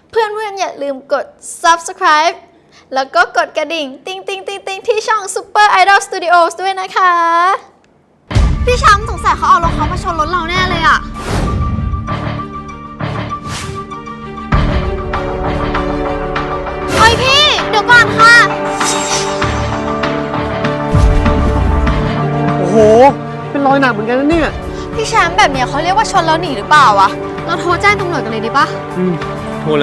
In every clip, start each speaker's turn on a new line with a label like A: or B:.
A: เพื่อนๆอย่าลืมกด subscribe แล้วก็กดกระดิ่งติ๊งที่ช่อง Super Idol Studios ด้วยนะคะ
B: พี่ช้ำสงสัยเขาเอารถเขามาชนรถเราแน่เลยอะเฮ้ยพี่ เดี๋ยวก่อนค่ะ
C: โอ้โห เป็นรอยหนักเหมือนกันนะเนี่ย
B: พี่แชมป์แบบเนี้ยเขาเรียกว่าชนแล้วหนีหรือเปล่าวะ เราโทรแจ้งตำรวจกันเลยดีปะ
C: โทรเลย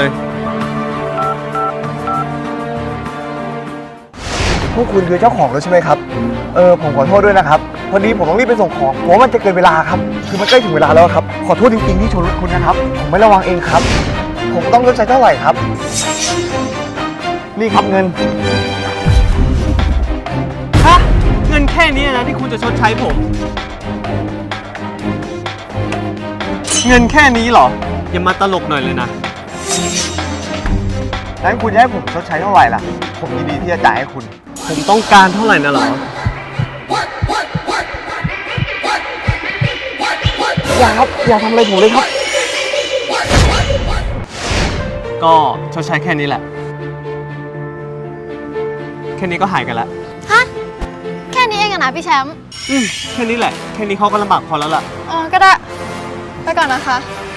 D: พวกคุณคือเจ้าของรถใช่ไหมครับ ผมขอโทษด้วยนะครับ พอดีผมต้องรีบไปส่งของเพราะมันจะเกินเวลาครับ คือมันใกล้ถึงเวลาแล้วครับ ขอโทษจริงๆที่ชนรถคุณนะครับ ผมไม่ระวังเองครับ ผมต้องชดใช้เท่าไหร่ครับ นี่ครับเงิน
C: ฮะ เงินแค่นี้นะที่คุณจะชดใช้ผม เงินแค่นี้เหรอ อย่ามาตลกหน่อยเลยนะ
D: งั้นคุณจะให้ผมชดใช้เท่าไหร่ล่ะ ผมยินดีที่จะจ่ายให้คุณ
C: ผมต้องการเท่าไหร่นะเหรอ
D: อย่าครับ อย่าทำอะไรผมเลยครับ
C: ก็ชดใช้แค่นี้แหละ แค่นี้ก็หายกันแล้ว
B: ฮะ แค่นี้เองอะนะพี่แชมป์
C: แค่นี้แหละ แค่นี้เขาก็ลำบากพอแล้วล่ะ
B: อ๋อก็ได้ ไปก่อนนะคะ
C: ค